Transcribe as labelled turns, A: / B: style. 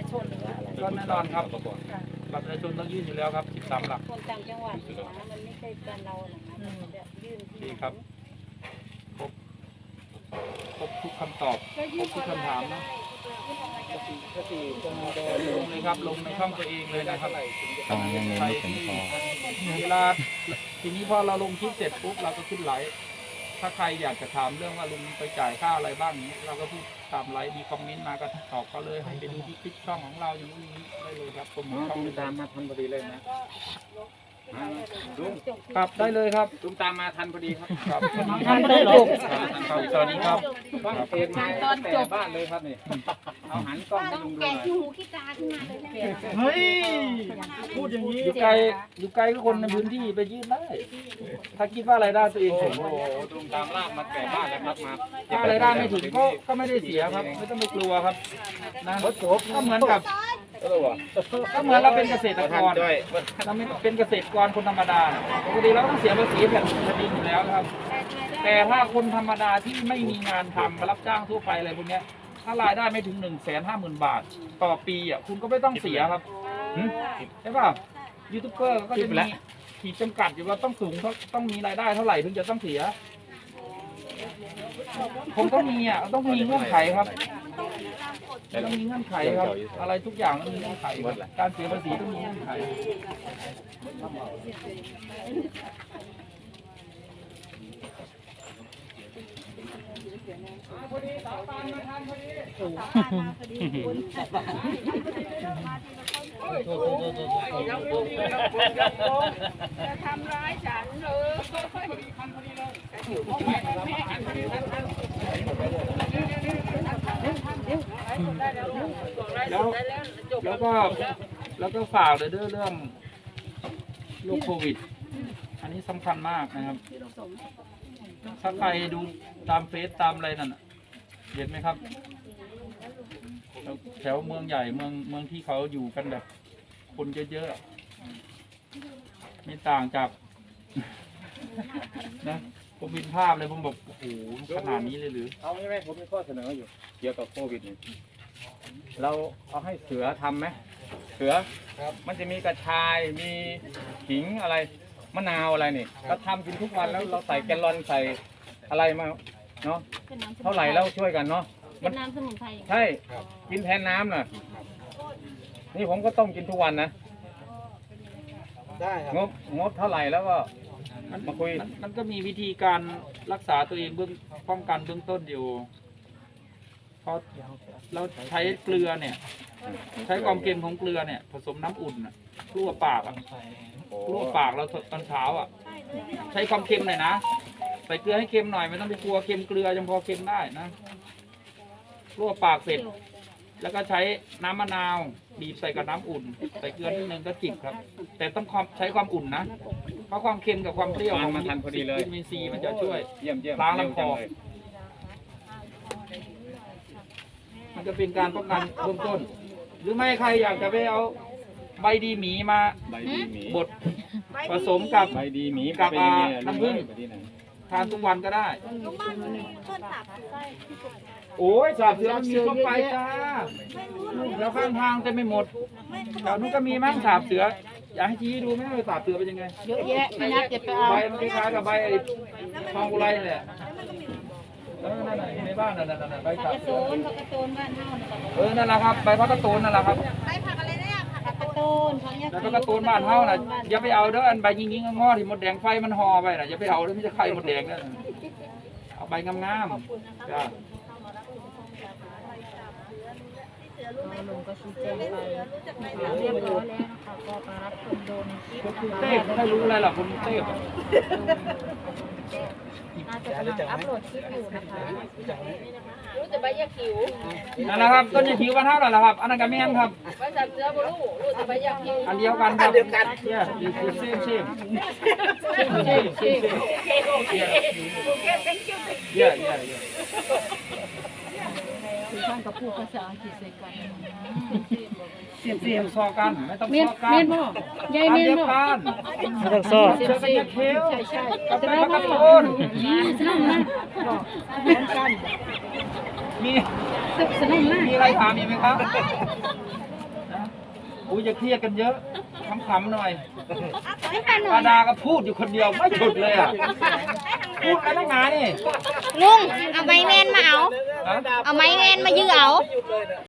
A: ชนหรือว่าอะไร
B: ก็แน่นอนครับบัตรประชาชนต้องยื่นอยู่แล้วครับ13 หลัก
A: คนต่างจังหวัดนะมันไม่ใช่การเราหรอกนะมันจะยื่นที่
B: ดีครับครบทุกคำตอบครบทุกคำถามนะลงเลยครับลงในช่องตัวเองเลยนะครับ
C: ยังเน้นไม่ถึงพอ
B: เวลาทีนี้พอเราลงคลิปเสร็จปุ๊บเราก็ขึ้นไลฟ์ถ้าใครอยากจะถามเรื่องว่าลุงไปจ่ายค่าอะไรบ้างนี้เราก็พูดตามไลฟ์มีคอมเมนต์มาก็ตอบเขาเลยให้ไปดูที่คลิปช่องของเราอย่างนี้ได้เลยครับผมช่อง
D: ตามมาทันพอดีเลยนะลุง
B: ครับได้เลยครับ
D: ลุงตามมาทันพอดีครับ
B: ครับ
A: ทำได้จบ
B: ครับสวัสดีครับ
D: ฟังเพลงมาแต่บ้านเลยครับนี่เอาหันกล้องให้ลุงดูหน่อย
A: หูขี้ตาขึ้นมาเลยนะ
B: เฮ้ยพูดอย่างนี้อยู่ไกลก็คนในพื้นที่ไปยื่นได้ถ้าคิดว่ารายได้ตัวเองถึง
D: โอ้โหลุงตามลากมาแต่บ้านแล้วครับมา
B: ถ้ารายได้ไม่ถึงก็ไม่ได้เสียครับ ไม่ต้องไปกลัวครับนะก็เหมือนกับก็เหมือนเราเป็นเกษตรกรเราไม่เป็นเกษตรกรคนธรรมดาปกติเราต้องเสียภาษีแผ่นดินอยู่แล้วครับ แต่ถ้าคนธรรมดาที่ไม่มีงานทำรับจ้างทั่วไปอะไรพวกเนี้ยถ้ารายได้ไม่ถึง150,000 บาทต่อปีอ่ะคุณก็ไม่ต้องเสียครับใช่ป่ะยูทูบเบอร์ก็จะมีขีดจำกัดอยู่ว่าต้องสูงต้องมีรายได้เท่าไหร่ถึงจะต้องเสีย ผมก็มีอ่ะต้องมีเงื่อนไขครับต้องมีเงื่อนไขครับอะไรทุกอย่างต้องมีเงื่อนไขครับการเสียภาษีต้องมีเงื่อนไขพอดีสาวปานมาทานพอดี
A: จะทำร้ายฉันเลย
B: แล้วก็ฝากเลยเรื่องโรคโควิด อันนี้สำคัญมากนะครับ ถ้าใครดูตามเฟซตามอะไรนั่นน่ะเห็นไหมครับ แถวเมืองใหญ่เมืองที่เขาอยู่กันแบบคนเยอะๆไม่ต่างจากนะผมเห็นภาพเลยผมบอกโอ้โหขนาดนี้เลยหรือ
D: เอางี้ไหมผมมีข้อเสนออยู่เกี่ยวกับโควิดนี่เราเอาให้เสือทำไหมเสือมันจะมีกระชายมีขิงอะไรมะนาวอะไรนี่เราทำกินทุกวันแล้วเราใส่แกลลอนใส่อะไรมาเนาะเท่าไหร่แล้วช่วยกันเนาะ
A: เป็นน้ำสมุนไพร
D: ใช่กินแทนน้ำน่ะนี่ผมก็ต้มกินทุกวันนะได้ครับงบเท่าไหร่แล้วก็มาคุย
B: มันก็มีวิธีการรักษาตัวเองป้องกันเบื้องต้นอยู่พอเราใช้เกลือเนี่ย ใช้ความเค็มของเกลือเนี่ย ผสมน้ำอุ่นน่ะกลัวปากอ่ะกลัวปากเราตอนเช้าอ่ะ ใช้ความเค็มหน่อยนะใส่เกลือให้เค็มหน่อยไม่ต้องไปกลัวเค็มเกลือยังพอเค็มได้นะกลัวปากเสร็จ แล้วก็ใช้น้ำมะนาวบีบใส่กับน้ำอุ่นใส่เกลือนิดนึงก็จิบครับ แต่ต้องใช้ความอุ่นนะเพราะความเค็มกับความเปรี้ยวของ
D: มาทันพอดีเลย
B: วิตามินซีมันจะช่วย
D: เยี่ยม
B: ล้างลำคอ
D: เร็วจัเลย
B: มันจะเป็นการป้องกันเบื้องต้น หรือไม่ใครอยากจะไปเอาใบดีหมีมา
D: ใบดีหมี
B: บดผสมกับ
D: ใบดีหมี
B: กับ
D: ไปยังไง
B: น้ำผึ้ง
D: ไปที่ไหน
B: ทานทุกวันก็ได้ โอ้ยสาบเสือมันมีทั่วไปจ้าแล้วข้างทางเต็มไปหมดแถวนู้นก็มีมั้งสาบเสือ อยากให้ชี้ดูไหมว่าสาบเสือเป็นยังไง
A: เยอะแยะไม่น่าจะไปเอา
B: ใบมันคล้ายๆกับใบไอ้ทองอุไรนี่แหละนั่นน่ะในบ้านนั่นใบสาบ
A: กระ
B: เสื
A: โต
B: อน
A: ผักกระโตนบ้านเฮาเนี่ย
B: นั่นแหละครับใบพักกระตูนนั่นแหละครับ
A: ผักกระโตนผักยา
B: แล้วก็กระตูนบ้านเฮาน่ะอย่าไปเอาเด้ออันใบยิงๆงอๆที่มดแดงไฟมันห่อไปน่ะอย่าไปเอาเด้อมันจะไข่มดแดงนั่นเอาใบงามๆจ้า
A: ลุงก็ชี้แจงไปเรียบร้อยแล้วนะคะก็มารับชมโดนคลิป
B: กรุงเทพไม่รู้อะไรหรอกคนกรุงเทพ
A: น่าจะกำลังอัพโหลดคลิปอยู่นะคะรู้แต่ใบยาคิว
B: นั่นแหละครับต้นยาคิวบ้านเฮานั่นแหละครับอันนั้นก็แม่นครับ
A: ใบสับเสือบ่รู้แต่ใบยาคิว
B: อันเดียวกันครับเนี่ยคือเซมเนี่ย
A: คือท่านก็พูดภาษาอังกฤษใส่กัน
B: เสียมซอกันไม่ต้อง
A: เมียน
B: ซอกัน
A: เมียนบ่ยายเมียนบ่
B: ไม่ต้องซอ
A: เสีย
B: เชือก
A: บ
B: เป็นยาเคี้ยว
A: ใช่ใช่
B: กับ
A: จะ
B: ใบ
A: ได้
B: พัก
A: บ่
B: กระตูน
A: สนุกนะเหมือนกัน
B: มี
A: สนุกนะ
B: มีอะไรถามอีกไหมครับอุ้ยอย่าเครียดกันเยอะขำๆหน่อยป้าดาก็พูดอยู่คนเดียวไม่หยุดเลยอ่ะพูดอะไรนักหนานี่
A: ลุงเอาไม้แมนมาเอา
B: ฮะ
A: เอาไม้แมนมายื้อเอา